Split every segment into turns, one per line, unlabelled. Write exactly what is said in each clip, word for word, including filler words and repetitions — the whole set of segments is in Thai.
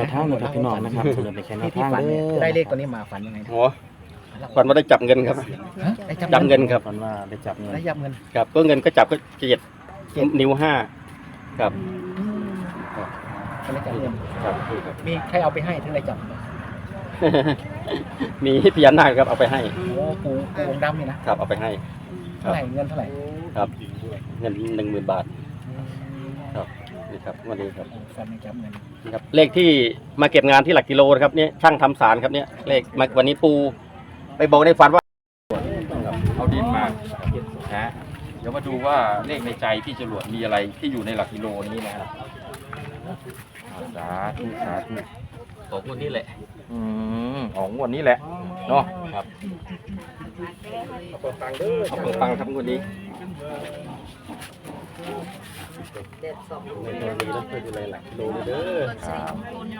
วทางนะครับพี่น้องนะครับเสนอเป็นแค่แนวทางเด้อ
ได้เลขตัวนี้มาฝันยังไง
โอ้ฝันว่าได้จับเงินครับ
ได้
จับเงินครับ
ฝันว่าได้จับเงิน
ได้ยับเงิน
ครับก็เงินก็จับก็เจ็ดนิ้วห้าครับ
ก็ได้จับเงิน
ครับ
มีใครเอาไปให้ถึงได้จับ
มีพญานาคครับเอาไปให้
โอ้ปูปูองค์ดำนี่นะครับ
เอาไปให้
เท่าไหร่เงินเท่าไหร่
ครับเงินหนึ่งหมื่นบาทครับนี่ครับวันนี้ครับ
ฝันได้จับเงิน
นี่ครับเลขที่มาเก็บงานที่หลักกิโลนะครับเนี่ยช่างทำสารครับเนี่ยเลขมาวันนี้ปูไปบอกในฝันว่า
เอาดินมานะเดี๋ยวมาดูว่าเลขในใจพี่จรวดมีอะไรที่อยู่ในหลักกิโลนี้นะครับสาธุสาธุ
บอกวันนี้แหละ
อืมของงวดนี้แหละเนาะ
ครับเอาเปิดตังค์ด้วยเอาเปิดตังค์ครับวันนี้ในตัวนี้ต้องไปดูแลหลักกิโลเด้อ
ครับ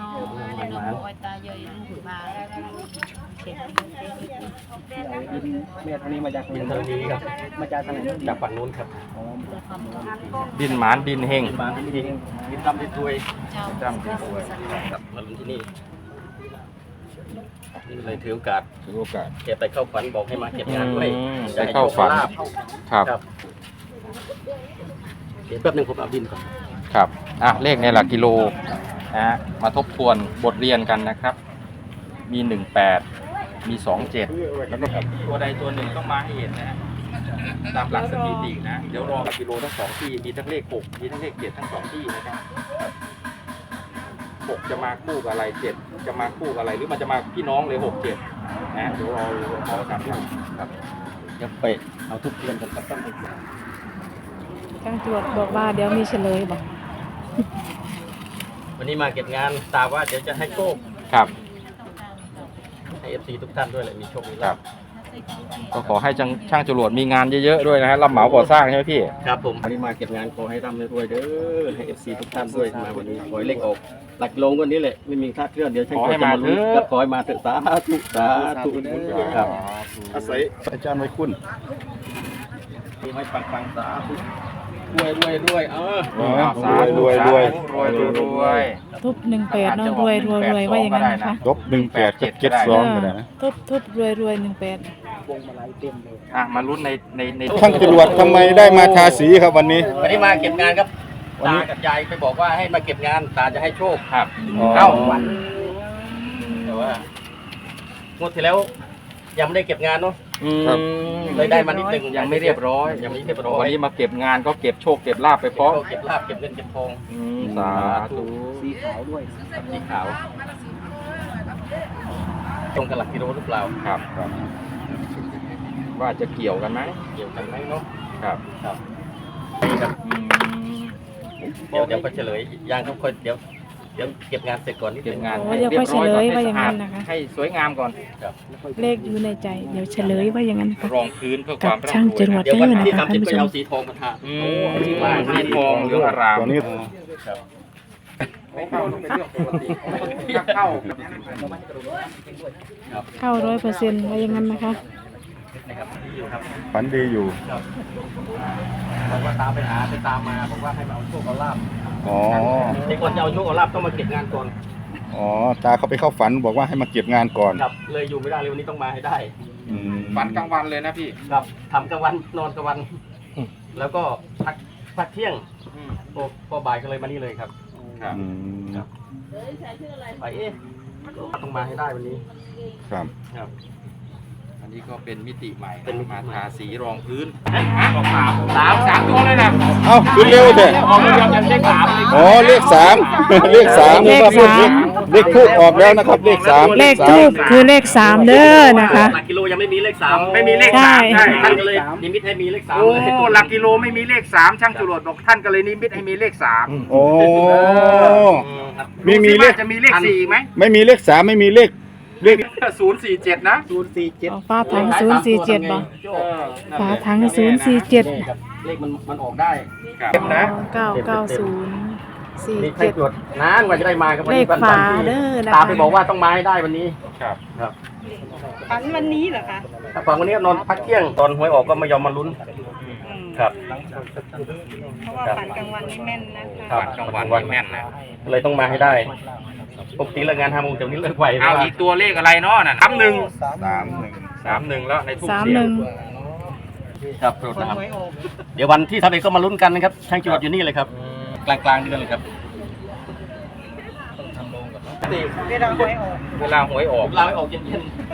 เมียทางนี้มาจาก
บินทางนี้ครับ
มาจากทางไหน
จากฝั่งนู้นครับ
ดินหมานดินเฮง
บินมาที่นี่บินดำบินรวย
จำดินด้วย
ครับมาลงที่นี่นี่เลยถือโอกาส
ถือโอกาส
แกไปเข้าฝันบอกให้มาเก็บงานด้วย
อืม
จะให้
ไปเข้าฝัน
โชลภ
ครับ
ครับเดี๋ยวแป๊บหนึงผมเอาบินก่อน
ครับอ่ะเลขในหลักกิโลนะฮะมาทบทวนบทเรียนกันนะครับ มีหนึ่งแปดมีสองเจ็ดแล้วก็ตัวใดตัวหนึ่งต้องมาให้เห็นนะฮะตามหลักสถิตินะเดี๋ยวรอหลักกิโลทั้งสองที่มีทั้งเลขหกมีทั้งเลขเจ็ดทั้งสองที่นะครับหกจะมาคู่กับอะไรเจ็ดจะมาคู่กับอะไรหรือมันจะมาพี่น้องเลยหกเจ็ดนะเดี๋ยวรอรอสามดูครับ
เดี๋ยวไปเอาทุกเทียนกันครับ
ช่างตรวจบอกว่าเดี๋ยวมีเฉลยบอก
วันนี้มาเก็บงานตาว่าเดี๋ยวจะให้โชค
ครับ
ให้เอฟซีทุกท่านด้วยเลยมีโชคมี
ครั
ลา
บ
ภ
ก็ขอให้ช่างช่างจรวดมีงานเยอะๆด้วยนะฮะรับเหมาก่อสร้างใช่ไหมพี่
ครับผมวันนี้มาเก็บงานขอให้ร่ำให้รวยเด้อให้เอฟซีทุกท่านด้วยมาวันนี้ขอให้เลขออกหลักลงวันนี้แหละไม่มีคลาดเคลื่อนเดี๋ยวช่าง
ขอให้
จะ
มา
มาลุ้น
เถอะ
ครับขอให้มาเถอะสาธุสาธุครับ
อาศัยอาจารย์ไว้คุณ
มีให้ปังปังๆสาธุรวยรวยรวยเออ
สาธุ
รวยรวย
รวยรวยรวย
ทุบหนึ่งแปดเนาะรวยรวยรวยว่าอย่างนั้นนะคะ
ลบหนึ่งแปดกับเจ็ดสองก็ได้นะ
ทุบทุบรวยรวยหนึ่งแปด
วงมาลัยเต็มเลย
อ่ะมาลุ้นในในใน
ช่างจรวดทำไมได้มาทาสีครับวันนี้
วันนี้มาเก็บงานครับ
วันนี้
ตากับยายไปบอกว่าให้มาเก็บงานตาจะให้โชค
ครับ
อ๋อ
เข้าวันแต่ว่างวดที่แล้วยังไม่ได้เก็บงานเนาะ
อืม
เลยได้มานิดหนึ่ง
ยังไม่เรียบร้อย
ยังไม่เรียบร้อย
วันนี้มาเก็บงานก็เก็บโชคเก็บลาบไปพร้อม
เก็บลาบเก็บเงินเก็บทอง
อืมสาธุ
สีขาวด้วย
สีขาวตรงกับหลักกิโลหรือเปล่า
ครับครับ ว่าจะเกี่ยวกันไหม
เกี่ยวกันไหมเนาะ
ครับ
ครับนี่ครับ
อืม
เดี๋ยวเดี๋ยวก็เฉลยยังครับค่อยเดี๋ยวเดี๋ยวเก็บงานเสร็จก่อนนิด
เก็
นึ
บ
ง
งาน
โอ้เดี๋ยวค่อยเฉลยว่าอย่างนั้นนะคะ
ให้สวยงามก่อน
ครับ
เลขอยู่ในใจ เดี๋ยวเฉลยว่าอย่างนั้นนะคะ
รองพื้นเพื่อค
กั
วา
บ
มร่ำรวย
ช่างจรวด
เดี๋ยววันที่
เด้อนะคะ
สามสิบก็
ท่านผู้ชม
เอาสีทองมาทา
อื
โอ้
ม
ที่ว่า
สีทองเหลืองอาราม
ตัวนี้
ครับ
ไม่เข้าเป็นเรื่องปกติถ้าเข้า
เข้าร้อยเปอร์เซ็นต์ว่าอย่างนั้นนะคะ
นะครับที่อยู่ครับ
ฝันดีอยู่
ครับบอกว่าตามไปหาไปตามมาบอกว่าให้มาเอาโชคเอาลาบ
อ๋อ
ในก่อนจะเอาโชคเอาลาบต้องมาเก็บงานก่อน
อ๋อ ตาเขาไปเข้าฝันบอกว่าให้มาเก็บงานก่อน
ครับเลยอยู่ไม่ได้เลยวันนี้ต้องมาให้ได้
อืม
ฝันกลางวันเลยนะพี่
ครับทำกลางวันนอนกลางวัน แล้วก็พักพักเที่ยงโอ้พอบ่ายก็เลยมานี่เลยครับ
ครับ
อืม
ไปเอ๊ะต้องมาให้ได้วันนี้
ครับ
ครับ
อันนี้ก็เป็นมิติใหม่
เป็นมิติ
มา
ใหม่
ทาสีรองพื้นออกสามสามสามตัวเลยนะ
เอ้าขึ้นเร็วเถอะ
ออกเดียวกันเลขสามเลย
อ๋อเลขสาม เลขสาม
เลขสาม
เลขพูดออกแล้วนะครับ เลขสาม
เลขทูบคือเลขสามเด้อนะคะ
หลักกิโลยังไม่มีเลขสาม
ไม่มีเลข
ใช่
สามใช่
ท่านก็เลยนิมิตให้มีเลขสาม
โอ้
เลย
หลักกิโลไม่มีเลขสามช่างจรวดบอกท่านก็เลยนิมิตให้มีเลขสาม
โอ้
อืมครับ
มีมีเลข
จะมีเลขสี่ไหม
ไม่มีเลขสามไม่มีเลข เลข
ศูนย์สี่เจ็ดนะ
ศูนย์สี่เจ็ด
อ๋อฟ้าถังศูนย์สี่เจ็ดบ่
เออ
ฝาถังศูนย์สี่เจ็ด
นี่ครับเลขมันมันออกได้
ครับนะ
เก้าเก้าศูนย์สี่
นี่ใคร
เจ็ด
ตรวจนานกว่าจะได้มาครับวัน
เล
นี้
ข
วัน
ฝา
ที่
เด้อนะคะ
ตามไปบอกว่าต้องมาให้ได้วันนี้
ครับ
ครับ
ฝันวันนี้เหรอคะ
ถ้าฟังวันนี้นอนพักเที่ยงตอนหวยออกก็ไม่ยอมมาลุ้น
อืม
ครับ
เพราะว่าฝันกลางวันนี่แม่นนะคะ
ครับ
ฝันกลางวันวันแม่นนะ
เลยต้องมาให้ได้ปกติเลิกงานห้าโมงแต่วันนี้เลิกไว
เอาอีกตัวเลขอะไรเนาะน่ะสามหนึ่ง
สามหนึ่ง
สามหนึ่งแล้วในทูบ
สาม
เสีย
หนึ่
ง
ง
ครับโปรดนะครับเดี๋ยววันที่ทำเองก็มาลุ้นกันนะครับช่างจรวดอยู่นี่เลยครับกลางกลางๆเดือนเลยครับ
เวลาหวยออก
เวลาหวยออก
ลาไม่ออกเย็น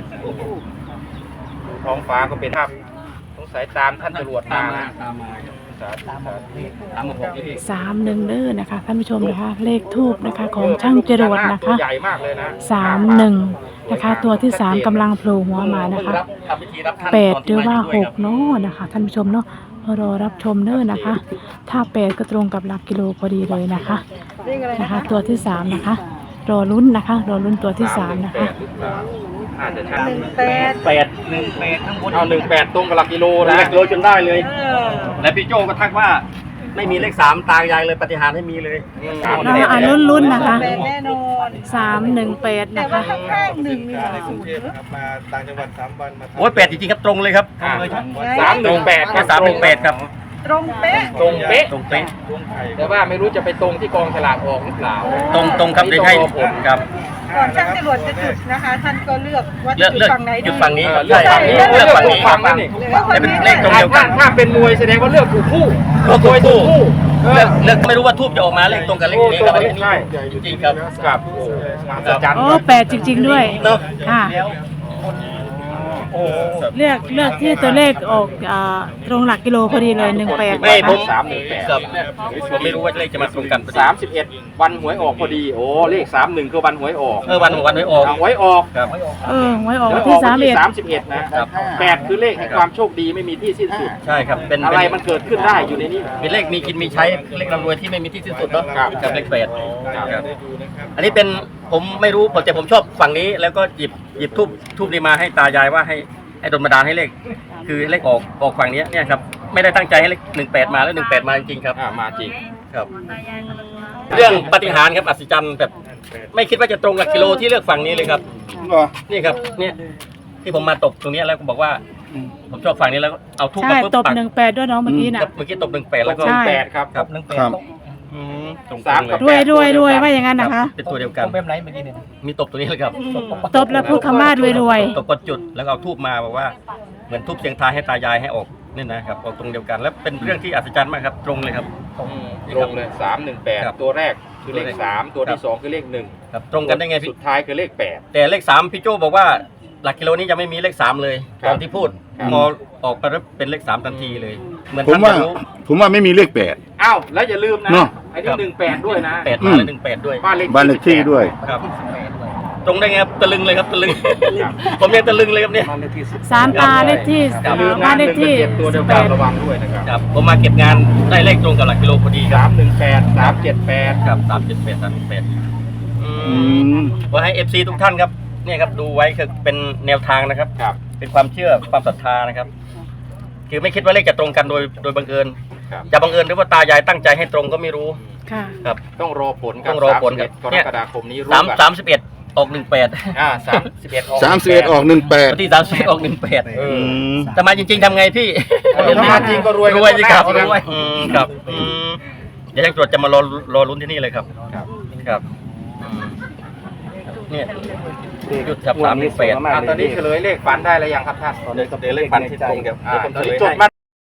ท้องฟ้าก็เป็นภาพสงสัยตามท่านจรวด
ๆตาม
มา
มา
นะ
ตามมาครับ
สาธุสาธุ
ตามมาบอกพี่
สามหนึ่งเด้อนะคะท่านผู้ชมนะคะ เลขทูบนะคะของช่างจรวดนะ
ตัว
คะ
ใหญ่มากเลยนะ
สามหนึ่งนะคะ ตัวที่สามกำลังโผล่หัวมานะคะ
รับทำพิธีรับท่าน
แปด
ตน
ห
ที่
รือว่า
มา
ห
ยู่
ก
ด้วยครับ
เนาะนะคะท่านผู้ชมเนาะรอรับชมเด้อนะคะ ถ้าแปดก็ตรงกับหลักกิโลพอดีเลยนะคะ
เลขอะไร
นะ
นะคะ คะ
ตัวที่สามนะคะ รอลุ้นนะคะ รอลุ้นตัวที่สามนะคะ
อาจจะชัด
หนึ่งแปด
แปดหนึ่งแปดข้างบน
เอาหนึ่งแปดตรงกับหลักกิโล
แล้
นะ
วโรยจนได้เลย
เออ
และพี่โจก็ทักว่าไม่มีเลขสามตายายเลยปฏิหารย์ให้มีเลย
สาม
เราอ่านลุ้นๆนะคะ
แปดแน่นอน
สามหนึ่งแปด
แต่
นะ
ว่า
คะ
ข้างๆหนึ่งมีศูนย์
มาต่างจังหวัดสามวันมา
โอ้ยแปดจริงๆครับตรงเลยครับตรงเลยครับ
สามหนึ่งแปด
แค่สามหนึ่งแปดครับ
ตรงเป๊ะ
ตรงเป๊ะ
ตรงเป๊ะ
แต่ว่าไม่รู้จะไปตรงที่กองฉลากออกหรือเปล่า
ตรงตรงครับเดี๋ยวให้
ต้องรอผล
ครับ
ก่อนช่างจรวดจะจุดนะคะ ท่านก็เลือกว่า
เลื
จะ
อก
จุด
เลือก
ฝั่งไหนดี
จุดฝั่งนี้
เออเลือกฝั่งนี้
เลือกฝั่งนี้
เลือกฝั่งนี้
เลือกฝั่งนี้
เลขตรงเดียวกั
ถ้าน ถ้าเป็นมวยแสดงว่าเลือกถูกคู่
เลือกถูกคู่
คู่เอ
เลื
อ
อกเลือกไม่รู้ว่าทูบจะออกมาเลขตรงกับเลขนี้ครับ
โอ้ตรงกับเลขใช่
จริงๆครับ
ครับโอ้มหัศจรรย์
โอ้แปดจริง ๆด้วย
เนาะ
ค่ะ
โอ้
เลือกเลือกที่ตัวเลขออกอ่าตรงหลักกิโลพอดีเลยหนึ่งแปด
ไม่ผม
สามหนึ่งแปด
ครับผมไม่รู้ว่าเลขจะมาตรงกัน
สามสิบเอ็ดวันหวยออกพอดีโอ้เลขสามหนึ่งคือวันหวยออก
เออวันวันไม่ออก
เอาหวยออก
ครับ
เออไว้ออก
หวย
วันที่สามเอ็ด
สามสิบเอ็ดนะครับ แปดคือเลขแห่งความโชคดีไม่มีที่สิ้นสุด
ใช่ครับเป็น
อะไร
เป็
มันเกิดขึ้นได้อยู่ในนี้
เป็นเลขมีกินมีใช้เลขร่ำรวยที่ไม่มีที่สิ้นสุดเนาะ
ครับ
กับเลขแปด
ครับ
ครับอันนี้เป็นผมไม่รู้ผมแต่ผมชอบฝั่งนี้แล้วก็หยิบหยิบทูบทูบนี้มาให้ตายายว่าให้ให้โดนบันดาลให้เลข คือเลขออกออกฝั่งนี้เนี่ยครับไม่ได้ตั้งใจให้เลขหนึ่งแปดมาแล้วหนึ่งแปดมาจริงๆครับ
อ่ามาจริง
ครับ เรื่องปาฏิหาริย์ครับอัศจรรย์แบบไม่คิดว่าจะตรงหลักกิโลที่เลือกฝั่งนี้เลยครับ
เหรอ
นี่ครับเนี่ยที่ผมมาตบตรงนี้แล้วก็บอกว่า ผมชอบฝั่งนี้แล้วเอาทูบ
ใช่
มาปุ๊บ
ตบ
ปัก
หนึ่งแปดด้วยน้องเมื่อกี้น่ะ
ครับเมื่อกี้ตบหนึ่งแปดแล้วก็
ใช่
แปดครับ
ครับหนึ่งแปด
ครับ
อืมตรง
สาม
เล
กับ
ย
รวยรวยรวยว่าอย่างนั้นนะคะ
เป็นตัวเดียวกันแบบไหนเมื่อกี้เนี่ยมีตบตัวนี้เลยครับ
ตบแล้วพูดคำว่ารวยรวย
ตบกดจุดแล้วก็เอาทูบมาบอกว่าเหมือนทูบเสียงทายให้ตายายให้ออกนี่นะครับออกตรงเดียวกัน แล้วเป็นเรื่องที่อัศจรรย์มากครับตรงเลยครับ
ตรงเลยสามหนึ่งแปด
ครับ
ตัวแรกคือเลขสามตัว
ครั
ที่
บ
สองคือเลขหนึ่ง
ครับตรงกันได้ไงพี่
สุดท้ายคือเลขแปด
แต่เลขสามพี่โจบอกว่าหลักกิโลนี้จะไม่มีเลขสามเลย
ครับ
ตอนที่พูด
ครับ
พอออกไปแล้วเป็นเลขสามทันทีเลย เหมือน
ผม
ท่าน
ว่า
จะรู้
ผมว่าไม่มีเลขแปด
อ้าวแล้วอย่าลืมนะ
เนอะ
ไอ้นี่หนึ่งแปดด้วยนะ
แปด
อื
มาม แล้วหนึ่งแปดด้วย
บ้านเลข
บ้านเลขที่ด้วย
ครับตรงได้ไงครับตะลึงเลยครับตะลึง ผมยังตะลึงเลยครับเนี่ย
สามตาเลขที่
อย่าลืมนะ
บ้านเลขที่
หนึ่งกับเจ็ดตัวเดียว
แป
กัน
ด
ระวังด้วยนะครับ
ครับผมมาเก็บงานได้เลขตรงกับหลักกิโลพอดีค
สา
รับ
มหนึ่งแปดสามเจ็ดแปด
ครับสามเจ็ดแปดสามแปดอื
อื
ม
ม
ว่าให้เอฟซีทุกท่านครับเนี่ยครับดูไว้คือเป็นแนวทางนะครับ
ครับ
เป็นความเชื่อความศรัทธานะครับ คือไม่คิดว่าเลขจะตรงกันโดยโดยบังเอิญ
ครับ
จะบังเอิญหรือว่าตายายตั้งใจให้ตรงก็ไม่รู้
ค่ะ
ครับ
ต้องรอผลครั
ต้องรอผลครับ
สามสิบเอ็ดกร
เนี่ย
กฎาคมนี้รู้
สาม
กัน
สามสิบเอ็ดออกหนึ่งแปด
อ่าสามสิบเอ็ดออก
สามสิบเอ็ดออกหนึ่งแปด
วันที่สามสิบเอ็ดออกหนึ่งแปด
เออ
แต่มาจริงๆทำไงพี่
เออถ้ามาจริงก็รวย
รวยสิครับ
กันหมด
รวยอืมครับอืมเดี๋ยวช่างตรวจจะมารอรอลุ้นที่นี่เลยครับ
ครับ
ครับอืมเนี่ยจุดจับสามหนึ่งแปด
อ่าตอนนี้เฉลยเลขฝันได้แล้วยังครับท่าน
เดี๋ยวเดี๋ยวเลขฟันที่ตรงกับ
อ่า
เดี๋ยวผม
ตอน
เฉล
นี้
ย
จด
ให้
มา